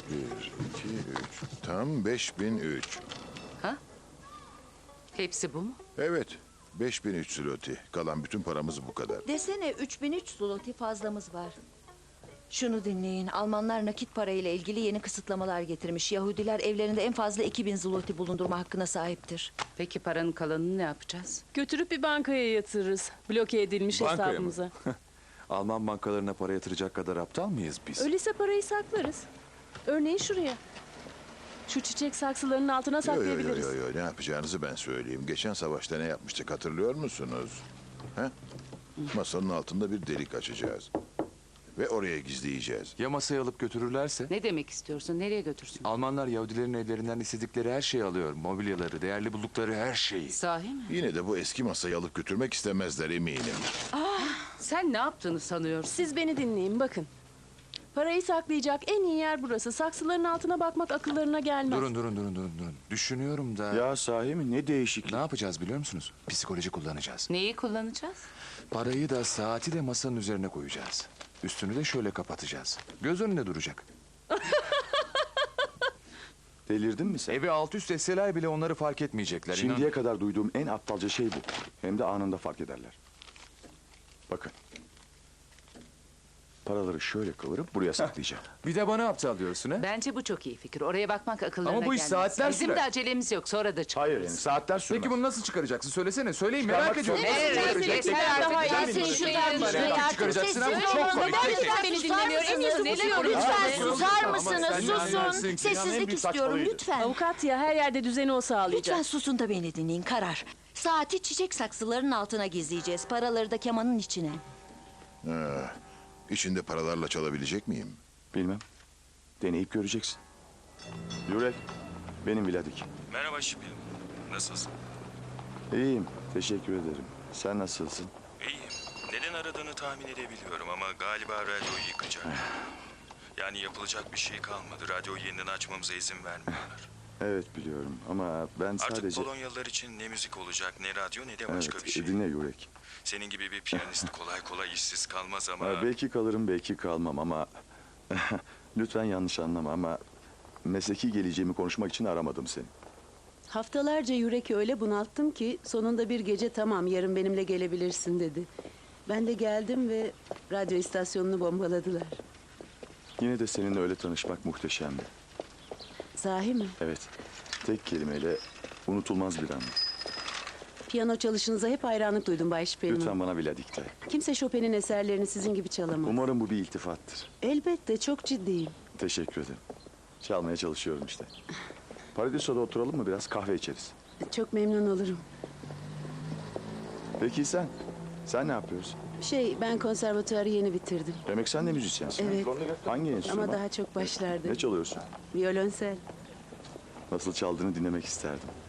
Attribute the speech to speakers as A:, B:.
A: Bir, iki, üç. Tam 5003.
B: Ha? Hepsi bu mu?
A: Evet. 5003 zloty. Kalan bütün paramız bu kadar.
C: Desene 3003 zloty fazlamız var. Şunu dinleyin. Almanlar nakit parayla ilgili yeni kısıtlamalar getirmiş. Yahudiler evlerinde en fazla 2000 zloty bulundurma hakkına sahiptir.
B: Peki paranın kalanını ne yapacağız?
D: Götürüp bir bankaya yatırırız. Bloke edilmiş
E: Bankaya mı?
D: hesabımıza.
E: Alman bankalarına para yatıracak kadar aptal mıyız biz?
D: Öyleyse parayı saklarız. Örneğin şuraya. Şu çiçek saksılarının altına
A: Yo,
D: saklayabiliriz.
A: ne yapacağınızı ben söyleyeyim. Geçen savaşta ne yapmıştık hatırlıyor musunuz? He? Masanın altında bir delik açacağız. Ve oraya gizleyeceğiz.
E: Ya masayı alıp götürürlerse?
B: Ne demek istiyorsun? Nereye götürsün?
E: Almanlar Yahudilerin evlerinden istedikleri her şeyi alıyor. Mobilyaları, değerli buldukları her şeyi.
B: Sahi mi?
A: Yine de bu eski masayı alıp götürmek istemezler eminim.
B: Sen ne yaptığını sanıyorsun?
D: Siz beni dinleyin bakın. Parayı saklayacak en iyi yer burası. Saksıların altına bakmak akıllarına gelmez.
E: Durun. Düşünüyorum da...
F: Ya sahi mi? Ne değişiklik.
E: Ne yapacağız biliyor musunuz? Psikoloji kullanacağız.
B: Neyi kullanacağız?
E: Parayı da saati de masanın üzerine koyacağız. Üstünü de şöyle kapatacağız. Göz önünde duracak.
F: Delirdin mi sen?
E: Evi alt üst etseler bile onları fark etmeyecekler.
F: Şimdiye kadar duyduğum en aptalca şey bu. Hem de anında fark ederler. Bakın. Paraları şöyle kıvırıp buraya saklayacağım.
E: Bir de bana aptal diyorsun ha?
B: Bence bu çok iyi fikir. Oraya bakmak akıllarına
E: Ama bu iş
B: gelmez.
E: saatler
B: Bizim
E: sürer.
B: de acelemiz yok. Sonra da çıkarız.
F: Hayır yani saatler sürmez.
E: Peki bunu nasıl çıkaracaksın? Söylesene. Söyleyin merak
F: Çıkarmak
E: ediyorum.
F: zorunda.
E: Nasıl
B: Evet,
E: çıkaracaksın?
B: yeter artık.
D: Daha
B: Ya
D: iyi.
B: sen
D: Seni
B: şuradan
D: şuradan
B: başla.
D: başla.
E: Nasıl çıkaracaksın ama
C: Sessiz
E: çok
C: olun.
E: komik.
C: Neden
E: Tek tek.
C: lütfen
D: Beni
C: susar
D: dinlemiyor. En iyisi
C: mısınız?
D: bu diyorum.
C: Lütfen
D: Lütfen.
C: susar
E: Ama
C: mısınız?
E: sen ne
C: Susun.
E: anlarsın ki?
F: Dünyanın en
C: Sessizlik
F: büyük
C: istiyorum
F: saçmalığıydı.
C: lütfen.
D: Avukat ya her yerde düzeni o sağlayacak.
C: Lütfen susun da beni dinleyin. Karar. Saati çiçek saksılarının altına gizleyeceğiz. Paraları da kemanın içine.
A: İçinde paralarla çalabilecek miyim?
F: Bilmem. Deneyip göreceksin. Yurek, benim Vladik.
G: Merhaba Şipil. Nasılsın?
F: İyiyim, teşekkür ederim. Sen nasılsın?
G: İyiyim. Neden aradığını tahmin edebiliyorum ama galiba radyoyu yıkacak. Yani yapılacak bir şey kalmadı. Radyoyu yeniden açmamıza izin vermiyorlar.
F: Evet biliyorum ama ben
G: Artık
F: sadece...
G: Polonyalılar için ne müzik olacak, ne radyo, ne de başka
F: Evet,
G: bir şey.
F: dinle Yurek.
G: Senin gibi bir piyanist kolay kolay işsiz kalmaz ama...
F: Belki kalırım, belki kalmam ama... Lütfen yanlış anlama ama... Mesleki geleceğimi konuşmak için aramadım seni.
H: Haftalarca Yürek'i öyle bunalttım ki sonunda bir gece tamam yarın benimle gelebilirsin dedi. Ben de geldim ve radyo istasyonunu bombaladılar.
F: Yine de seninle öyle tanışmak muhteşemdi.
H: Sahi mi?
F: Evet, tek kelimeyle unutulmaz bir an.
H: Piyano çalışınıza hep hayranlık duydum Bay Şüphelman.
F: Lütfen bana Vladik'te.
H: Kimse Chopin'in eserlerini sizin gibi çalamaz.
F: Umarım bu bir iltifattır.
H: Elbette çok ciddiyim.
F: Teşekkür ederim. Çalmaya çalışıyorum işte. Paradiso'da oturalım mı biraz kahve içeriz.
H: Çok memnun olurum.
F: Peki sen? Sen ne yapıyorsun?
H: Ben konservatuarı yeni bitirdim.
F: Demek sen de müzisyensin.
H: Evet.
F: Hangi enstrüman?
H: Ama daha çok başlarda.
F: Ne çalıyorsun?
H: Violonsel.
F: Nasıl çaldığını dinlemek isterdim.